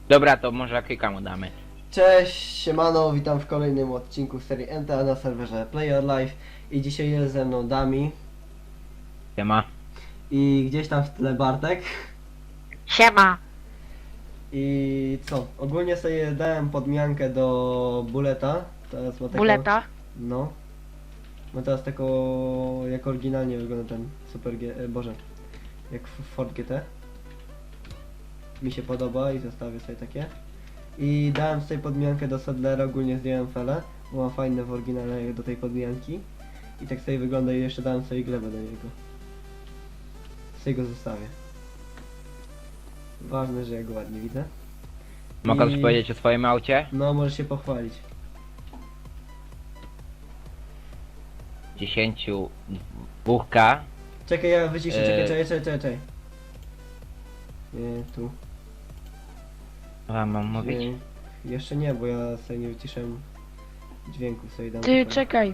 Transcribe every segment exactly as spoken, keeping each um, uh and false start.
Dobra, to może kilka mu damy. Cześć, siemano, witam w kolejnym odcinku serii N T A na serwerze Play Your Life i dzisiaj jest ze mną Dami Siema. i gdzieś tam w tle Bartek. Siema. I co, ogólnie sobie dałem podmiankę do Buleta, teraz ma taką, Buleta. no, ma teraz taką, jak oryginalnie wygląda ten Super G, e, boże, jak F- Ford G T. Mi się podoba i zostawię sobie takie. I dałem sobie podmiankę do Sadlera, ogólnie zdjąłem felę, bo ma fajne w oryginale do tej podmianki. I tak sobie wygląda i jeszcze dałem sobie glebę do niego. Sobie go zostawię. Ważne, że ja go ładnie widzę. Mogę I- coś powiedzieć o swoim aucie? No, możesz się pochwalić. dziesięć dwa K. Czekaj, ja wyciszę, czekaj, Eee. czekaj, czekaj, czekaj, czekaj. Nie, tu. A mam mówić? Nie, jeszcze nie, bo ja sobie nie wyciszałem dźwięku, sobie dam. Ty, tutaj. czekaj.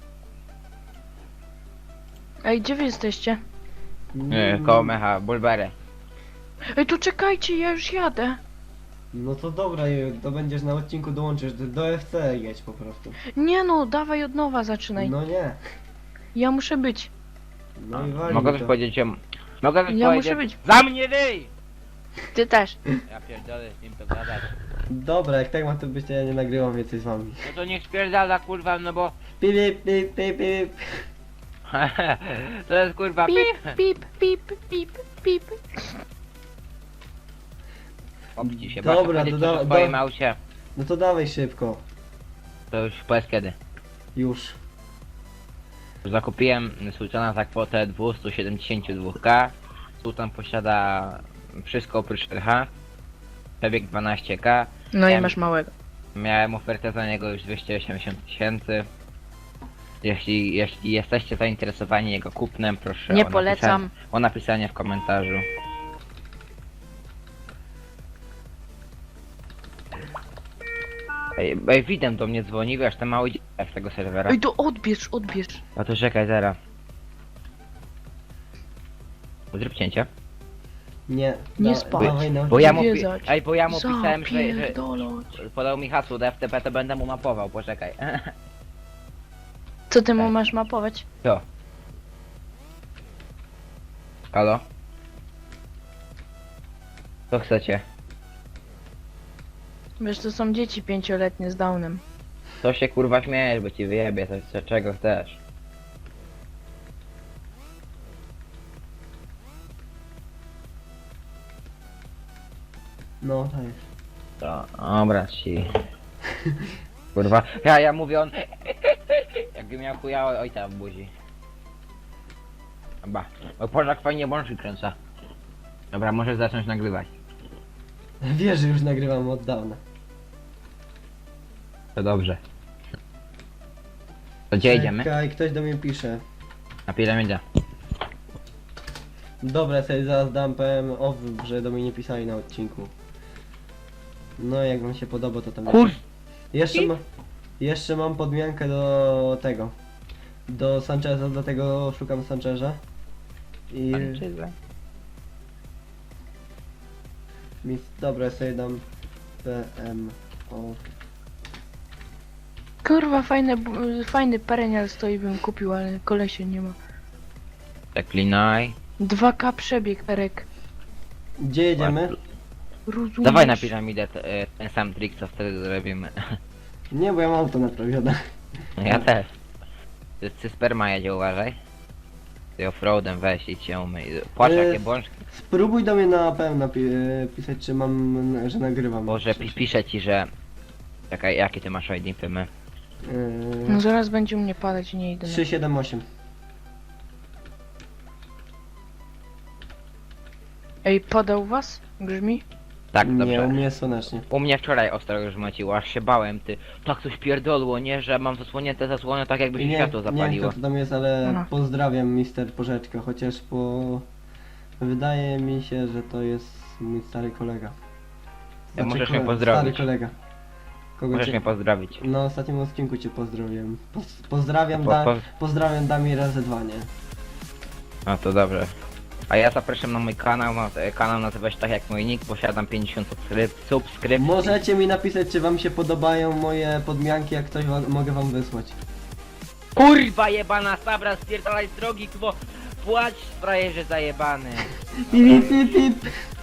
Ej, gdzie wy jesteście? Nie, Mm, koło mecha, bulberę. Ej, tu czekajcie, ja już jadę. No to dobra, Ju, to będziesz na odcinku dołączysz, do, do F C jedź po prostu. Nie no, dawaj od nowa zaczynaj. No nie. Ja muszę być. No i wali Mogę to. coś powiedzieć o... Mogę coś Ja powiedzieć... muszę być. Za mnie wyj! Ty też. Ja pierdolę z nim to gadać. Dobra, jak tak ma to być, to ja nie nagrywam więcej z wami. No to niech spierdala kurwa, no bo... Pip, pip, pip, pip, pip. To jest kurwa Pip, pip, pip, pip, pip. Obci się, Dobra, Dobra, to to da- o swoim da- aucie. No to dawaj szybko. To już powiedz kiedy. Już. Zakupiłem Sultana za kwotę dwieście siedemdziesiąt dwa K. Sultan posiada wszystko oprócz R H. Przebieg dwanaście K. No i Em, masz małego. Miałem ofertę za niego już dwieście osiemdziesiąt tysięcy. Jeśli, jeśli jesteście zainteresowani jego kupnem, proszę Nie o polecam. Napisanie, o napisanie w komentarzu. Ej, ej, widem do mnie dzwoni, wiesz, ten mały dzieciak z tego serwera. Ej, to odbierz, odbierz. A to czekaj, zaraz. Zrób cięcie. Nie. Nie da- spać. Dawaj na Bo ja mu, pi- Odwiedzać. ej, bo ja mu pisałem, że, że Zapierdolać. podał mi hasło do F T P, to będę mu mapował, poczekaj. Co ty mu masz mapować? Co? Halo? Co chcecie? Wiesz, to są dzieci pięcioletnie z Downem. Co się kurwa śmiejesz, bo ci wyjebie, coś co, czego chcesz. No, tak. To, dobra ci. Kurwa, ja, ja mówię on... Jakby miał chuja ojca w buzi. Chyba. Bo Pożak fajnie bączki kręca. Dobra, możesz zacząć nagrywać. Wiesz, że już nagrywam od dawna. To dobrze. To gdzie idziemy? Czekaj, ktoś do mnie pisze. Na piramidę. Dobra, sobie zaraz dam P M off, że do mnie nie pisali na odcinku. No, jak wam się podoba, to tam... Kur... Jeszcze, ma, jeszcze mam podmiankę do tego. Do Sancheza, dlatego szukam Sancheza. I... Mi, dobra, sobie dam P M off. Kurwa, fajne, bu- fajny perenial stoi, bym kupił, ale kolesie nie ma. Przeklinaj. dwa K przebieg, Perek. Gdzie jedziemy? Rozumiesz? Dawaj na piramidę te, e, ten sam trik, co wtedy zrobimy. Nie, bo ja mam auto naprawione. Ja też. Ty, ty sperma jedzie, uważaj. Ty offroadem weź i cię umyj. Płacz Ale- jakie bączki. Spróbuj do mnie na P M napi- pisać, czy mam, że nagrywam. Boże, pi piszę ci, że... Czekaj, jakie ty masz I D pymy? No Yy, zaraz będzie u mnie padać, nie idę. trzy siedem osiem. Ej, podał was? Grzmi? Tak, Nie, dobrze. u mnie słonecznie. U mnie wczoraj ostro już maciło, aż się bałem, ty. Tak coś pierdolło, nie? Że mam zasłonięte zasłony tak jakby się Nie, światło nie wiem zapaliło. kto to tam jest, ale No. pozdrawiam mister Porzeczka, chociaż po... Wydaje mi się, że to jest mój stary kolega. Ja możesz kole- mnie pozdrowić. Stary kolega. Kogo Możesz cię... mnie pozdrowić. Na ostatnim odcinku cię pozdrowiłem. Poz pozdrawiam, Po- da po- pozdrawiam Dami razy dwa, nie? No to dobrze. A ja zapraszam na mój kanał, na, kanał nazywa się tak jak mój nick, posiadam pięćdziesiąt subskryp, subskrypcji. Możecie mi napisać, czy wam się podobają moje podmianki, jak ktoś wa mogę wam wysłać. Kurwa jebana sabra, spierdalaj z drogi, bo płacz frajerze zajebany. Pip, pip, pip.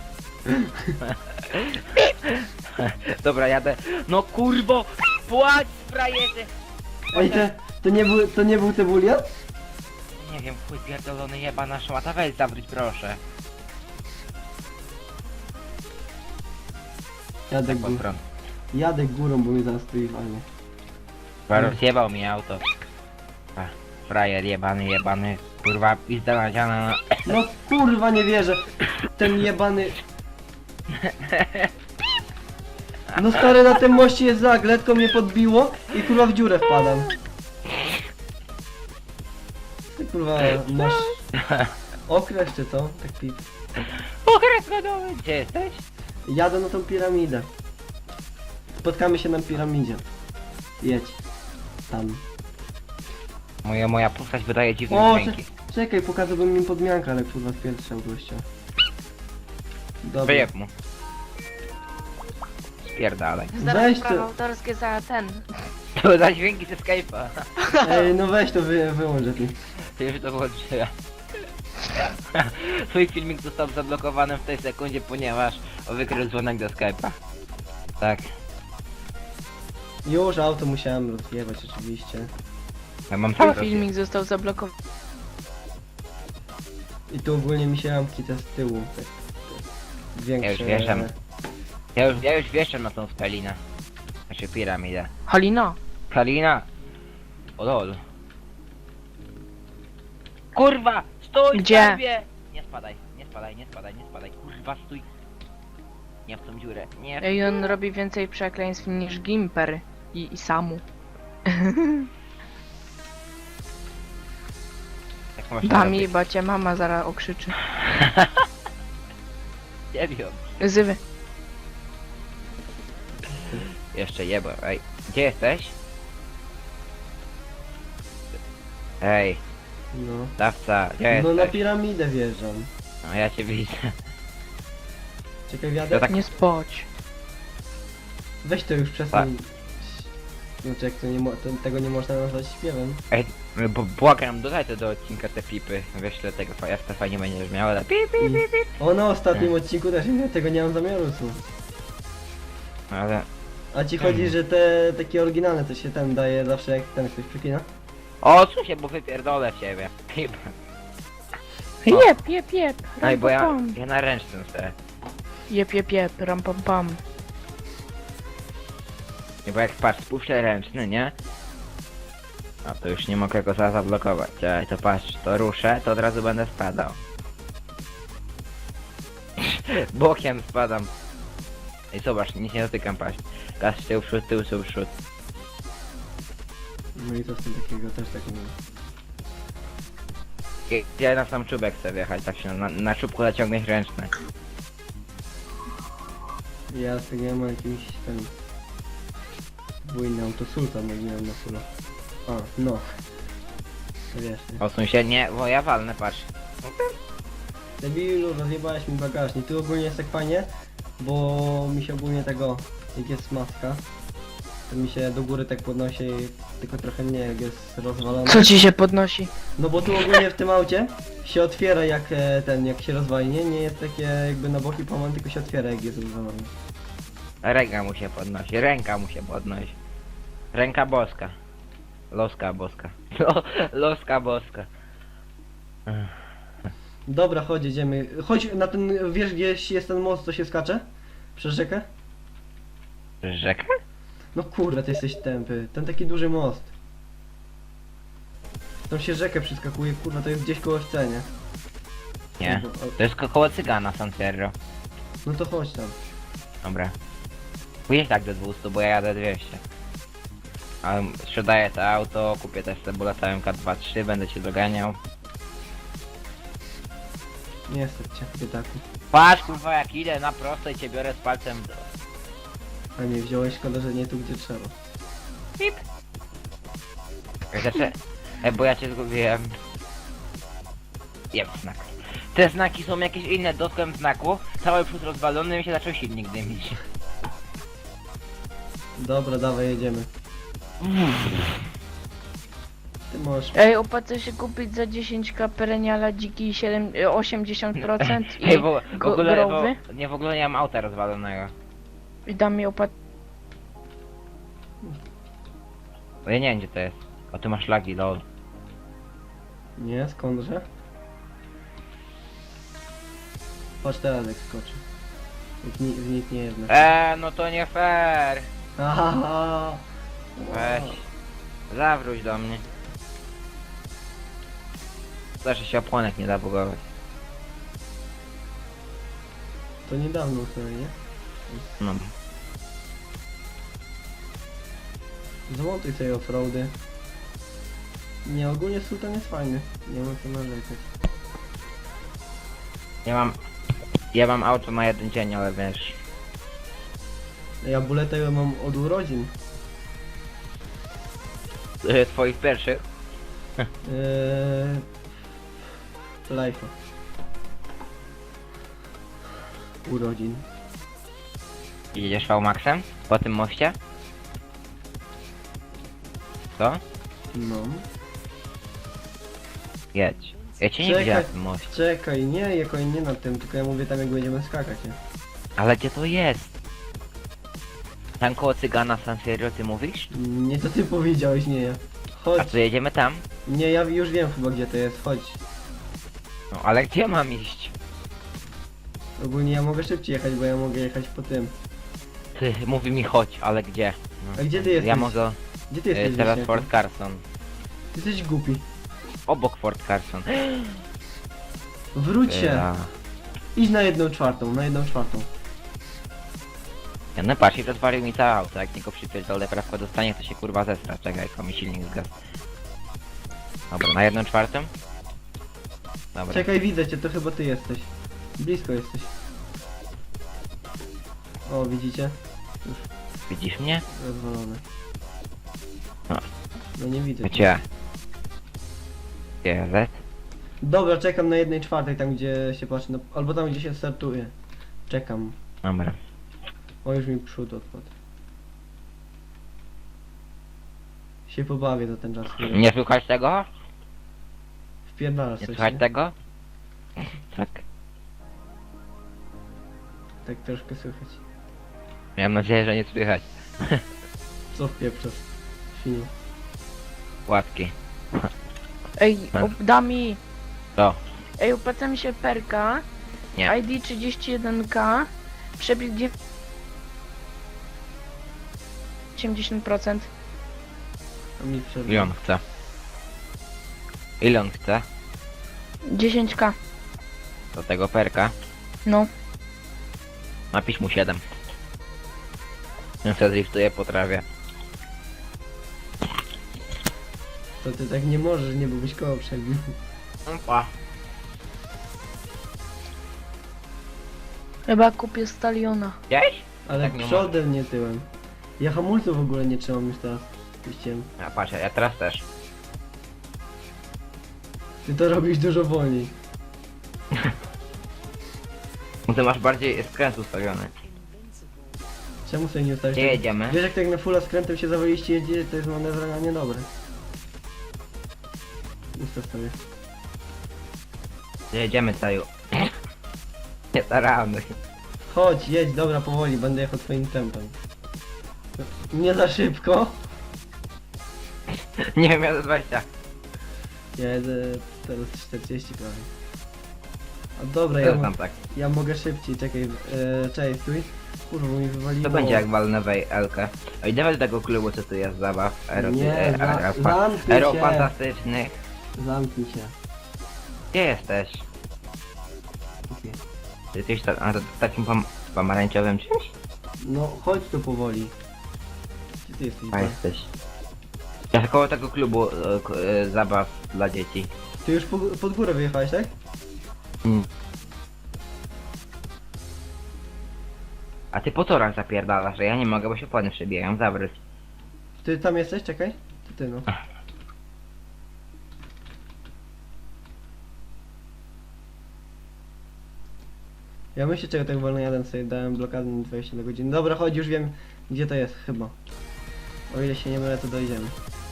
Dobra, jadę. No kurwo, płacz frajerze. Ej, te, to nie był, to nie był Cebulian? Nie wiem, chuj pierdolony jebana szmata, weź zawróć proszę. Jadę, Tak gó pod prąd. jadę górą, bo mnie zaraz tu i walnie. Rozjebał mi auto. A, frajer jebany, jebany, kurwa pizda nadziana na... No kurwa, nie wierzę. Ten jebany... No stary, na tym moście jest zag, letko mnie podbiło i kurwa w dziurę wpadam. Ty kurwa, masz... Okres czy co? Tak pip. Okres godowy, gdzie jesteś? Jadę na tą piramidę. Spotkamy się na piramidzie. Jedź. Tam. Moja, moja postać wydaje dziwne O, dźwięki. cze- czekaj, pokazałbym im podmiankę, ale kurwa pierwsza gościa. Dobra. Wyjeb mu. Spierdalaj. Zaraz Weź prawa to- autorskie za ten. To za dźwięki ze Skype'a. Ej, no weź to wy, wyłącz lepiej. Ty już to włączyłem. Twój filmik został zablokowany w tej sekundzie, ponieważ wykrył dzwonek do Skype'a. Tak. Już auto musiałem rozjebać oczywiście. Ja mam Cały cały filmik został zablokowany. I tu ogólnie mi się ramki te z tyłu. Tak, tak, większe. Ja już wjeżdżam. Ja już, ja już wieszczam na tą skalinę. Znaczy piramidę. Halina. Kalina! O lol. Kurwa! Stój! Gdzie? Skarbie! Nie spadaj, nie spadaj, nie spadaj, nie spadaj. Kurwa, stój! Nie w tą dziurę, nie w... Ej, on robi więcej przekleństw niż Gimper i, i Samu. Jak można Dami, robić? bo cię mama zaraz okrzyczy. Serio. Zywy. Jeszcze jebo, ej. Gdzie jesteś? Ej, No. dawca, gdzie No na jesteś? piramidę wjeżdżam. No ja cię widzę. Czekaj, wiadę. Ja tak- Nie spać. Weź to już przestań. Znaczy jak to nie mo to, tego nie można nazwać śpiewem. Ej, bo błagam, dodaj to do odcinka te flipy. Wyślę tego, jak to fajnie będziesz miał, ale pip, pip, pip, pip. O, na ostatnim odcinku też nie, tego nie mam zamiaru słuchać. Ale... A ci chodzi, że te takie oryginalne to się ten daje zawsze jak ten ktoś przekina? O, co się, bo wypierdolę w ciebie. Pip. Jep, jep, jep. Ej, bo ja, Ram, pam, pam. ja na ręcznym chcę. Jep, jep, jep. Ram, pam, pam. Nie, bo jak patrz, spuszczę ręczny, nie? A to już nie mogę go za zablokować. Ej, to patrz, to ruszę, to od razu będę spadał. Bokiem spadam. Ej, zobacz, nic nie dotykam, patrz. Gaz tył, przód, tył, tył, przód. No i co z tym takiego też tak nie I- Ja na sam czubek chcę wjechać, tak się na, na czubku zaciągnąć ręczny. Ja z tego nie mam jakiś ten... Bujny autosultan, jak nie wiem na sula. A, no. To wiesz, nie? Osuń się, nie, bo ja walnę, patrz. Debilu, rozjebałeś mi bagażnik. Tu ogólnie jest tak fajnie, bo mi się ogólnie tego, jak jest maska, to mi się do góry tak podnosi, tylko trochę mnie jak jest rozwalone. Co ci się podnosi? No bo tu ogólnie w tym aucie się otwiera jak e, ten, jak się rozwali, nie? Nie jest takie jakby na boki połamane, tylko się otwiera jak jest rozwalony. Ręka mu się podnosi, ręka mu się podnosi. Ręka boska. Loska boska. Lo, loska boska. Dobra, chodź, jedziemy. Chodź na ten, wiesz gdzieś jest ten most, co się skacze? Przez rzekę? Rzeka? No kurde, ty jesteś tępy. Ten taki duży most. Tam się rzekę przeskakuje, kurwa, to jest gdzieś koło C, nie? Nie. No, to- To jest ko- koło cygana San Sierra. No to chodź tam. Dobra. Pójdziesz tak do dwieście, bo ja jadę dwieście. Ale sprzedaję to auto, kupię też sobie latałem K dwa trzy, będę cię doganiał. Nie stać cię, biedaku. Patrz kurwa jak idę na prosto i cię biorę z palcem w dół. A nie wziąłeś, szkoda, że nie tu gdzie trzeba. Pip. Znaczy, e, bo ja cię zgubiłem. Jeb znak. Te znaki są jakieś inne, dotknąłem znaku, cały przód rozwalony, mi się zaczął silnik dymić. Dobra, dawaj, jedziemy. Ty możesz... Ej, opłaca się kupić za dziesięć ka pereniala dziki siedem, e, osiemdziesiąt procent i Ej, bo, w go- ogóle, growy. bo, nie, w ogóle nie mam auta rozwalonego. I da mi opłat... Bo ja nie wiem gdzie to jest. O, ty masz lagi, lol. Nie, skądże? Patrz teraz jak skoczy. Jak ni w nic nie jest. Eee, no to nie fair. Aha. Weź. Zawróć do mnie. Zawsze się opłonek nie da bugować. To niedawno sobie, nie? No. Zmontuj sobie offroady. Nie, ogólnie Sultan jest fajny. Nie ma co narzekać. Ja mam... Ja mam auto na jeden dzień, ale wiesz... Ja buletę mam od urodzin. e, Twoich pierwszych? Eee... Life'a. Urodzin. Jedziesz V-Maxem? Po tym moście? Co? No. Jedź. Ja cię nie Czekaj. widziałem na tym moście. Czekaj, nie, jako nie na tym, tylko ja mówię tam jak będziemy skakać, nie? Ale gdzie to jest? Tam koło cygana San Serio ty mówisz? Nie, to ty powiedziałeś, nie ja. A Chodź. to jedziemy tam? Nie, ja już wiem chyba gdzie to jest, chodź. No ale gdzie mam iść? Ogólnie ja mogę szybciej jechać, bo ja mogę jechać po tym. Ty, mówi mi chodź, ale gdzie? No. A gdzie ty jesteś? Ja mogę... Gdzie ty e, jesteś? teraz Wiśniaku? Fort Carson. Ty jesteś głupi. Obok Fort Carson. Wróć się. Ja. Idź na jedną czwartą, na jedną czwartą. Ja no patrz, i rozwalił mi całe auto, jak niego przypierdolę prawko dostanie, to się kurwa zestra. Czekaj, tylko mi silnik zgasł. Dobra, na jedną czwartą? Dobra. Czekaj, widzę cię, to chyba ty jesteś. Blisko jesteś. O, widzicie? Widzisz mnie? Rozwalone. No. No nie widzę cię. Gdzie? Gdzie Z? Dobra, czekam na jednej czwartej, tam gdzie się patrzy, na... albo tam gdzie się startuje. Czekam. Dobra. O, już mi przód odpadł. Się pobawię za ten czas. chwilę. Nie słychać tego? Wpierdalasz Nie coś, słychać nie? tego? Tak. Tak troszkę słychać. Miałem nadzieję, że nie słychać. Co wpieprzasz? Świnie. Łatki. Ej, Tak. op- da mi... Co? Ej, opłaca mi się perka. Nie. I D trzydzieści jeden ka. Przebieg dziew- osiemdziesiąt procent. A mi przerwa. Ile on chce? Ile on chce? dziesięć ka. Do tego perka? No. Napisz mu siedem. Ja sobie driftuję po trawie. To ty tak nie możesz, nie, bo byś koło przebił. Opa. Chyba kupię staliona. Gdzieś? Ale Tak nie przodem, nie tyłem. Ja hamulców w ogóle nie trzymam już teraz. Puściłem. A patrz, ja teraz też. Ty to robisz dużo wolniej. Ty masz bardziej skręt ustawiony. Czemu sobie nie ustawić? Gdzie jedziemy? Wiesz jak tak na fulla skrętem się zawaliście jedzie, to jest manewr niedobre. Ustaw sobie. Gdzie jedziemy, Taju? Nie staramy. Chodź, jedź, dobra, powoli, będę jechał twoim tempem. Nie za szybko. Nie wiem, ja za dwadzieścia. Ja jedę teraz czterdzieści prawie. A dobra, ja, Teraz mo tam tak. ja mogę szybciej, czekaj, e, czekaj, stój. Kurwa, bo mi wywaliło. To będzie jak walnę w Elkę. Oj, dawaj do tego klubu, co tu jest zabaw. Aero, Nie, e, za- aero, zamknij aero się. fantastycznych. Zamknij się. Gdzie jesteś? Kupię. Ty jesteś ta, a, to, takim pom pomarańczowym czymś? No, chodź tu powoli. Gdzie ty jesteś? A Ba? jesteś. Ja koło tego klubu e, k- e, zabaw dla dzieci. Ty już po, pod górę wyjechałeś, tak? Mm. A ty po torach zapierdalasz, że ja nie mogę, bo się płony przebijają, zawróć. Ty tam jesteś? Czekaj. To ty no. Ja myślę, czego tak wolno jadę, sobie dałem blokadę na dwadzieścia na godzinę. Dobra, chodź, już wiem gdzie to jest, chyba. O ile się nie mylę, to dojdziemy.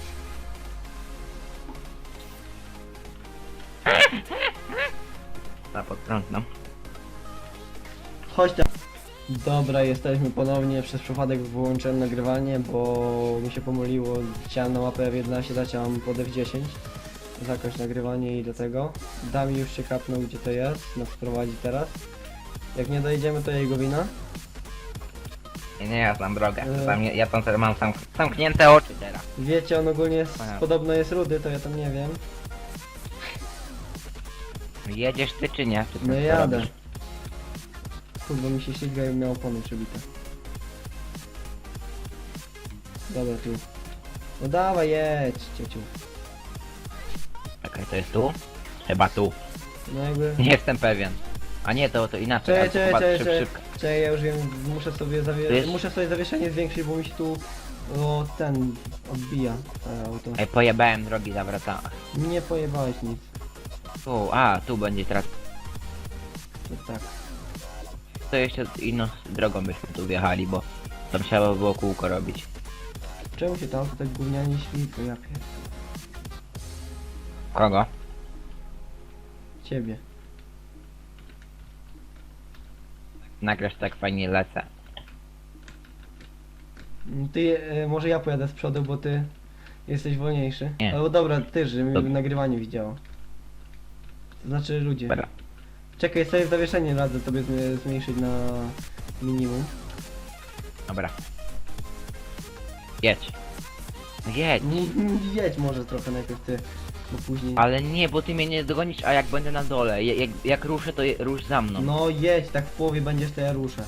Na podprąd, no. Chodź tam. Dobra, jesteśmy ponownie. Przez przypadek wyłączyłem nagrywanie, bo mi się pomyliło. Chciałem na mapę F jedenaście dać, a mam pod F dziesięć. Zakończ nagrywanie i do tego. Dami już się kapnął gdzie to jest, nas prowadzi teraz. Jak nie dojedziemy, to jego wina. Nie, nie, ja znam drogę. E. Tam, ja tam teraz mam sam, zamknięte oczy teraz. Wiecie, on ogólnie jest, Aha. podobno jest rudy, to ja tam nie wiem. Jedziesz ty czy nie? Czy ty No co jadę. robisz? Kurwa mi się ślizga i miał opony przebite. Dobra, tu. No dawaj, jedź, ciociu. Czekaj, to jest tu? Chyba tu. No jakby... Nie jestem pewien. A nie, to, to inaczej. Czekaj, ale to czekaj, chyba czekaj, szyb, czekaj, szybko. czekaj, ja już wiem, muszę sobie zawie... Wiesz? muszę sobie zawieszenie zwiększyć, bo mi się tu... O, ten... odbija e, auto. Ej, pojebałem drogi, zawracałem. Nie pojebałeś nic. Tu, a, tu będzie teraz. To tak. To jeszcze inną drogą byśmy tu wjechali, bo tam trzeba było kółko robić. Czemu się to auto tak gównianie świtło, ja pier... Kogo? Ciebie. Nagrasz tak fajnie lecę. Mm, Ty, e, może ja pojadę z przodu, bo ty jesteś wolniejszy. Nie. Albo dobra, ty, żeby mi Dobra. nagrywanie widziało. To znaczy ludzie. Dobra. Czekaj, sobie zawieszenie radzę tobie zm- zmniejszyć na minimum. Dobra. Jedź. No jedź. Mm, Jedź może trochę najpierw ty, bo później... Ale nie, bo ty mnie nie dogonisz, a jak będę na dole, je- jak, jak ruszę, to je, rusz za mną. No jedź, tak w połowie będziesz, to ja ruszę.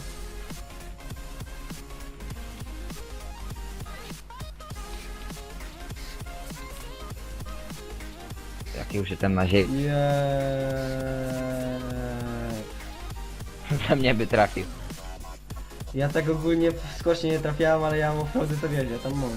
Jak już jestem na ziemi, Jeee. to mnie by trafił. Ja tak ogólnie w skocznie nie trafiałem, ale ja mam offroady to wiesz, ja tam mogę.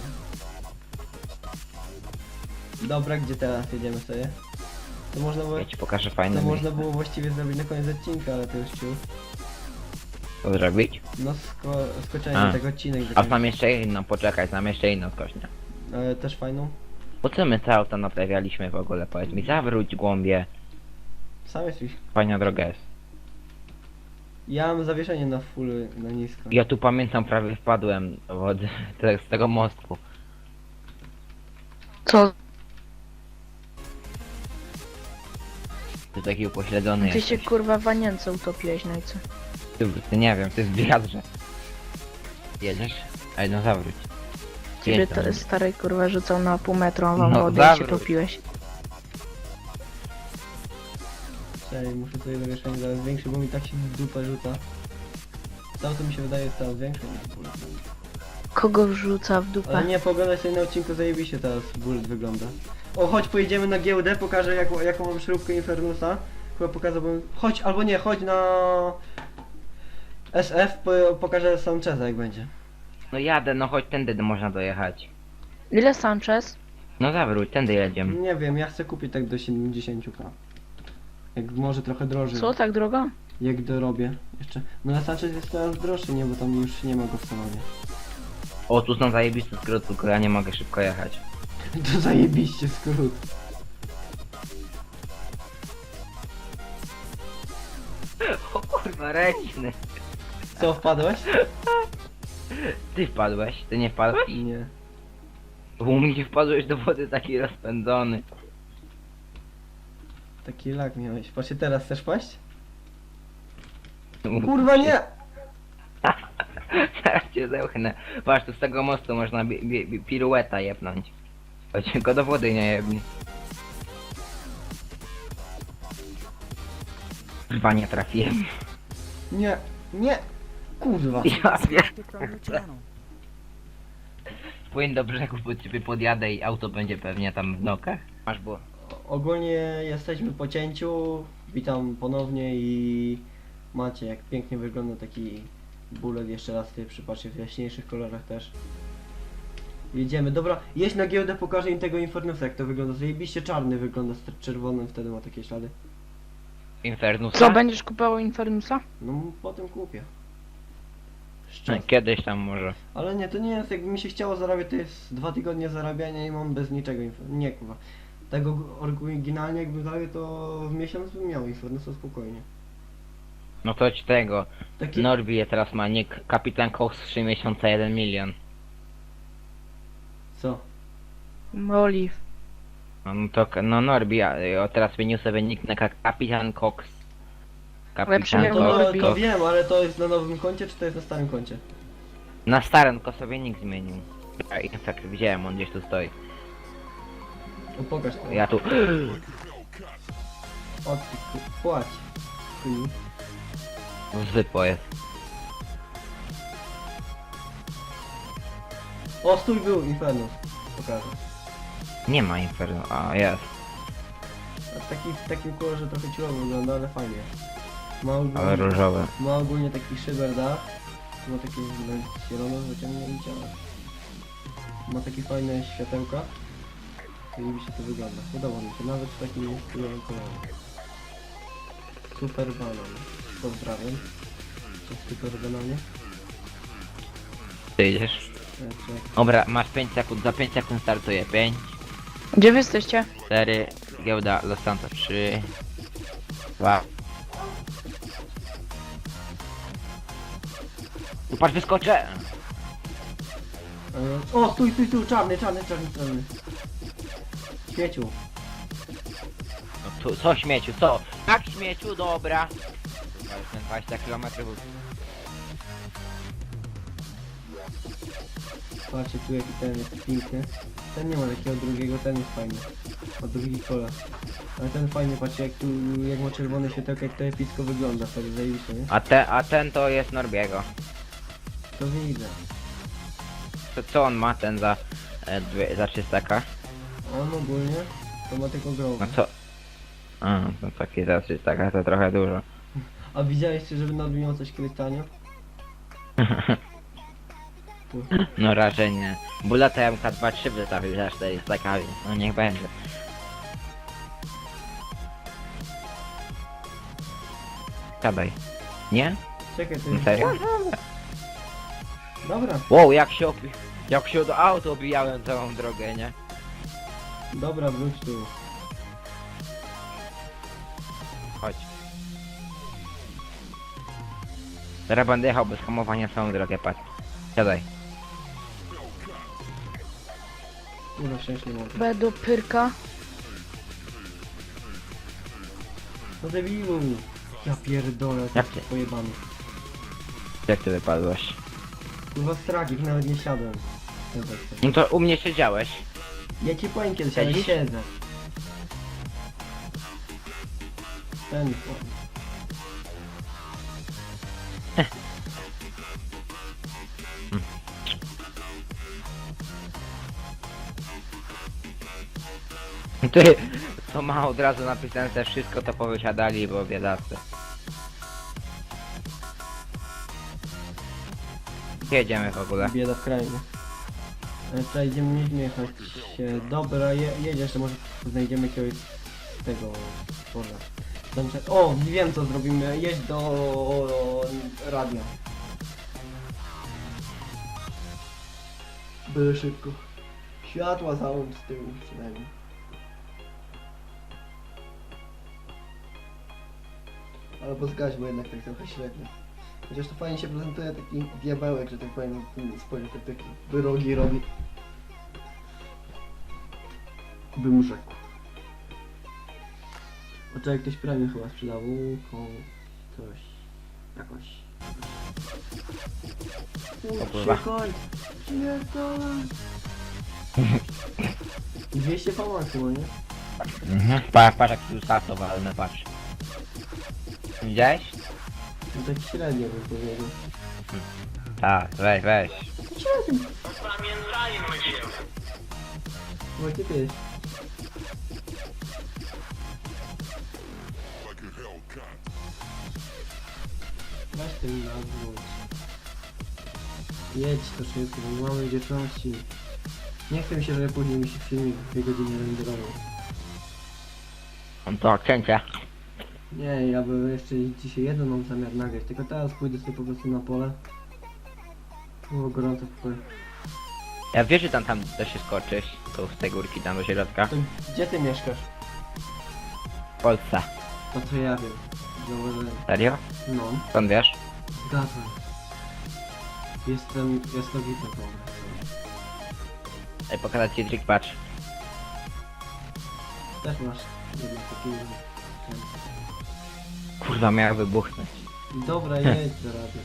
Dobra, gdzie teraz jedziemy sobie? To można było, Ja ci pokażę fajne to miejsce. można było właściwie zrobić na koniec odcinka, ale to już ciu. Co zrobić? No sko skoczenie A. tego odcinek. A znam jeszcze inną, poczekaj, znam jeszcze inną skośnię. Ale też fajną. Po co my te auta naprawialiśmy w ogóle? Powiedz mi, zawróć głąbie. Sam jesteś. Fajna droga jest. Ja mam zawieszenie na full, na nisko. Ja tu pamiętam, prawie wpadłem od, te, z tego mostku. Co? Ty taki upośledzony Ty się jesteś. kurwa w Anience utopiłeś, no i co? Ty, ty nie wiem, ty z wiadrze. Jedziesz? Ej, no zawróć. Ciebie Jedź tam. to stary kurwa rzucał na pół metra, a wam No, wody i się zawróć. topiłeś. Czekaj, muszę sobie zawieszenie zaraz zwiększyć, bo mi tak się w dupę rzuca. To auto mi się wydaje jest coraz większe niż bullet. Kogo wrzuca w dupę? Ale nie, poglądaj sobie na odcinku, zajebiście teraz bullet wygląda. O, chodź pojedziemy na giełdę, pokażę jak, jaką mam śrubkę Infernusa. Chyba pokazałbym... Chodź, albo nie, chodź na... S F, po, pokażę Sancheza jak będzie. No jadę, no chodź, tędy można dojechać. Ile Sanchez? No zawróć, tędy jedziemy. Nie wiem, ja chcę kupić tak do siedemdziesiąt ka. Jak może trochę drożej. Co, tak drogo? Jak dorobię jeszcze. No na Sanchez jest teraz droższy, nie, bo tam już nie ma go w salonie. O, tu są zajebiste skróty, tylko ja nie mogę szybko jechać. To zajebiście skrót. O kurwa, ręczny. Co, wpadłeś? Ty wpadłeś, ty nie wpadłeś? Nie. Bo u mnie wpadłeś do wody taki rozpędzony. Taki lag miałeś. Patrzcie, teraz chcesz paść? Kurwa nie! Zaraz cię zełchnę. Patrz, tu z tego mostu można bi bi bi pirueta jebnąć. Choć go do wody nie jebni. Chyba nie trafiłem. Nie, nie! Kurwa. Ja wiem. Płyń do brzegu, bo ciebie podjadę i auto będzie pewnie tam w nokach. Masz było. Ogólnie jesteśmy po cięciu. Witam ponownie i macie jak pięknie wygląda taki bullet. Jeszcze raz tutaj przypatrzcie w jaśniejszych kolorach też. Jedziemy, dobra, jedź na giełdę, pokażę im tego Infernusa jak to wygląda. Zajebiście czarny wygląda z czerwonym, wtedy ma takie ślady. Infernusa? Co, będziesz kupował Infernusa? No potem kupię. Z czasem. Kiedyś tam może. Ale nie, to nie jest, jakby mi się chciało zarabiać, to jest dwa tygodnie zarabiania i mam bez niczego inf- nie kurwa. Tego oryginalnie jakbym zarabiał, to w miesiąc bym miał Infernusa spokojnie. No to ci tego. Takie... Norbi teraz ma nick Kapitan Cox trzy miesiące jeden milion. Co? Olive. No, no to no Norbi, a, o, teraz zmienił sobie nick na ka- Kapitan Cox. Lepszy Kapitan jak To, no, Norbi. to wiem, ale to jest na nowym koncie, czy to jest na starym koncie? Na starym tylko sobie nick zmienił. Ja Infekt widziałem, on gdzieś tu stoi. No pokaż to. Ja tu. O ty ku... płać. Chuj. Zwykło jest. O, stój był Infernus. Pokażę. Nie ma Inferno. A jest. A taki, w takim kolorze trochę ciułowo wygląda, ale fajnie. Ma ogólnie, Ale różowe. ma ogólnie taki szyber dach. Ma takie zielone wyciągnięcia. Ma takie fajne światełka. I mi się to wygląda. Podoba mi się, nawet w takim stylowym kolorze. Super banan. Pozdrawiam. To super bananie. Ty idziesz? Jeszcze Dobra, masz pięć sekund, za pięć sekund startuje. pięć, Gdzie wy jesteście? cztery, giełda Los Santos trzy, dwa. Tu patrz, wyskoczę! E, O, stój, stój, stój, czarny, czarny, czarny, czarny. Śmieciu. No tu, co śmieciu, co? Tak śmieciu, dobra. Kurwa, już ten dwadzieścia kilometrów. Patrzcie tu jaki ten jest piękny. Ten nie ma takiego drugiego, ten jest fajny. Ma drugi kolor. Ale ten fajny, patrzcie jak tu, jak ma czerwone światełko, jak to epicko wygląda, wtedy zajebiście, nie? A, te, a ten to jest Norbiego. To widzę. To co on ma, ten za, e, dwie, za trzysta k? On ogólnie to ma tylko growę. No co? A, to taki za trzysta k to trochę dużo. A widzieliście, żeby Norbi miał coś kiedyś tanio? Tu. No raczej nie. Bulata M K dwa trzy wystawił za czterysta k, więc no niech będzie. Gadaj. Nie? Czekaj, to No jest... serio? Dobra, Wow, jak się obi... Jak się do auto obijałem całą drogę, nie? dobra, wróć tu. Chodź. Teraz będę jechał bez hamowania całą drogę, patrz. Siadaj. Nie no, szczęście nie mogę. B do Pyrka. No debilu! Ja pierdolę, Jak jak ty? pojebany. Jak ty wypadłeś? Kurwa stragik, nawet nie siadłem. Ten zespół. No to u mnie siedziałeś. Ja ci powiem kiedyś, ale Siedzisz? siedzę. Ten... Ty, to ma od razu napisane te wszystko, to powysiadali, bo biedacy. Jedziemy w ogóle. Bieda w kraju. Ale tutaj idziemy, mieliśmy jechać. się- Dobra, je, jedziesz, to może znajdziemy jakiegoś z tego... Boże. Dobrze. O, wiem co zrobimy. Jedź do radia. Byle szybko. Światła załącz z tyłu przynajmniej. Albo zgaś, bo jednak tak trochę średnio. Chociaż to fajnie się prezentuje taki diabełek, że tak powiem, spojrzę, tak taki wyrogi robi. Bym rzekł. O czekaj, ktoś premię chyba sprzedał. Koło... coś... jakoś... O kurwa. Koń! Pierdolę! dwieście V chyba, nie? Mhm. Patrz, patrz jak tu startowalne, patrz. Widziałeś? No tak średnio bym powiedział. Tak, weź, weź. Średnio! No gdzie ty jest? Weź ten nawróć. Jedź to szybko, bo mamy dzieciąci. Nie chcę mi się, żeby później mi się filmik dwie godziny renderował. On to cięcie. Nie, ja bym jeszcze dzisiaj jeden mam zamiar nagrać, tylko teraz pójdę sobie po prostu na pole. Było gorąco w pokoju. Ja wiesz, że tam, tam da się skoczyć, tu z tej górki tam do środka. To gdzie ty mieszkasz? W Polsce. To co ja wiem. Zauważyłem. Serio? No, Skąd wiesz? zgadzam. Jestem jasnowidny po Ej, pokazać ci trik, patrz. Też masz jednak taki... Kurwa, miała wybuchnąć. Dobra, jedź do rady.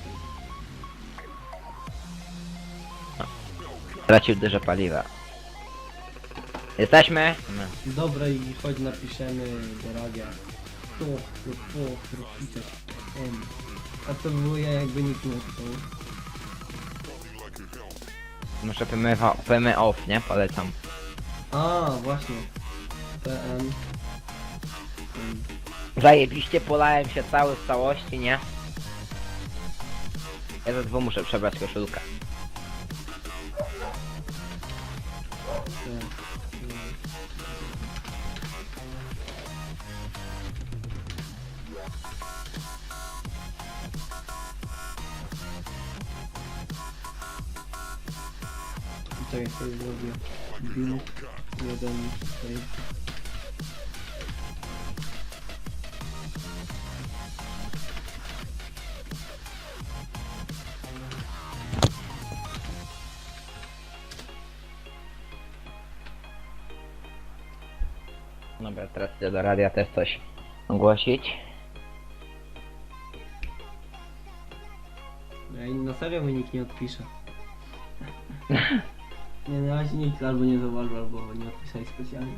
Stracił dużo paliwa. Jesteśmy? No. Dobra i chodź napiszemy do radia. To, to, to, to, A to było ja jakby nikt nie napisał. Muszę P M, P M off, nie? Polecam. A, właśnie. P M. Zajebiście polałem się cały w całości, nie? Ja za dwu muszę przebrać koszulkę. Czekaj, sobie zrobię. Build jeden tutaj. Dobra, teraz idę do radia też coś ogłosić. Ej, na serio mi nikt nie odpisze. Nie, na razie nikt albo nie zauważył, albo nie odpisali specjalnie.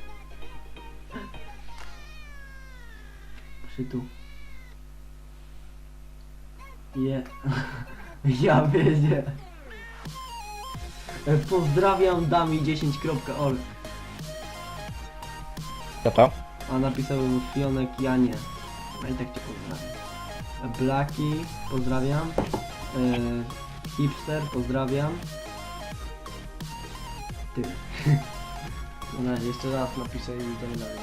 Przy tu. Je. Ja wiedzię. E, Pozdrawiam dami dziesięć kropka org. Co to? A napisał Fionek Janie. A i tak cię pozdrawiam. E, Blaki, pozdrawiam. E, hipster, pozdrawiam. Ty. No na jeszcze raz napiszę i idziemy dalej.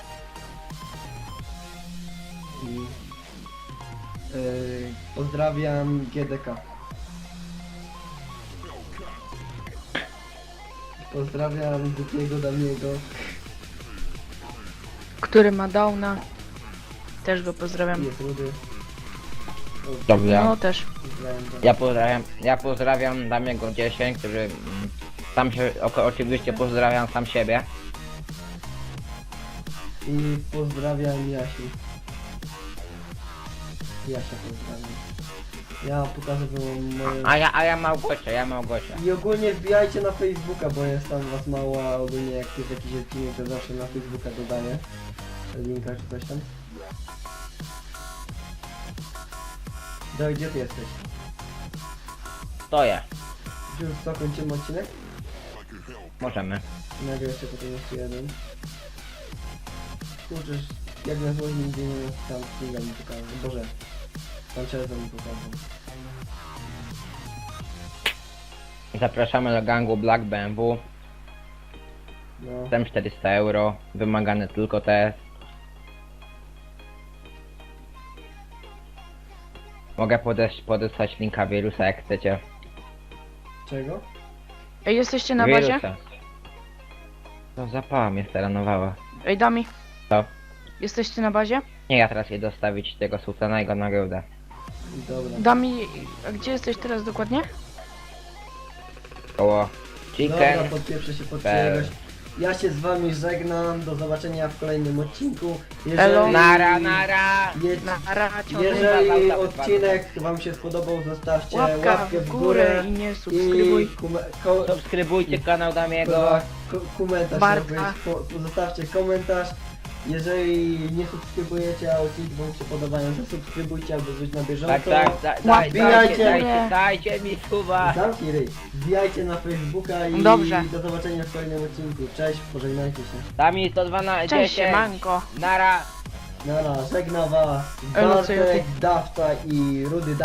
I... E, pozdrawiam G D K. Pozdrawiam Dukiego Damiego. Który ma downa. Też go pozdrawiam. Jest Rudy. Dobrze. No też. Pozdrawiam go. Ja pozdrawiam, ja pozdrawiam Damiego dziesięć, który mm, sam się, o, oczywiście pozdrawiam sam siebie. I pozdrawiam Jasiu. Jasia pozdrawiam. Ja pokażę wam moje... A ja, a ja Małgosia, ja Małgosia. I ogólnie wbijajcie na Facebooka, bo jest tam was mało, a ogólnie jak jest jakiś odcinek, to zawsze na Facebooka dodaję linka czy coś tam. Dawaj, gdzie ty jesteś? Stoję. Już co, kończymy odcinek? Możemy. Nagle jeszcze potem jeszcze jeden. Kurczę, jak na złość nigdzie nie tam Kinga mi pokazał. Boże, tam Czerwon mi pokazał. Zapraszamy do gangu Black B M W. No, Tam czterysta euro. Wymagane tylko te. Mogę podesłać, podesłać linka wirusa jak chcecie. czego? Ej, jesteście na bazie? Wirusa. To zapała mnie staranowała. Ej, Dami. Co? Jesteście na bazie? Nie, ja teraz idę dostawić tego sultana i go na giełdę. Dobra. Dami, a gdzie jesteś teraz dokładnie? Koło Dobra, chicken. podpieprzę się pod Pe- czyjegoś. Ja się z wami żegnam, do zobaczenia w kolejnym odcinku. Elo. Nara, nara! Je, Na racie. jeżeli odcinek wam się spodobał, zostawcie Łapka łapkę w górę i nie subskrybuj. I kume, ko, Subskrybujcie kanał Damiego. ko, ko, komentarz, Bartka. miał być, po, zostawcie komentarz. Jeżeli nie subskrybujecie, a odcinki wam się podobają, to subskrybujcie, aby być na bieżąco. Tak, tak, da, daj, dajcie, Wbijajcie. dajcie, dajcie mi suba. Zamknij ryj. Wbijajcie na Facebooka i Dobrze. do zobaczenia w kolejnym odcinku. Cześć, pożegnajcie się. Dami sto dwanaście. Cześć, manko. Nara. Nara, żegna was Elo, co Bartek, juty. Dawca i Rudy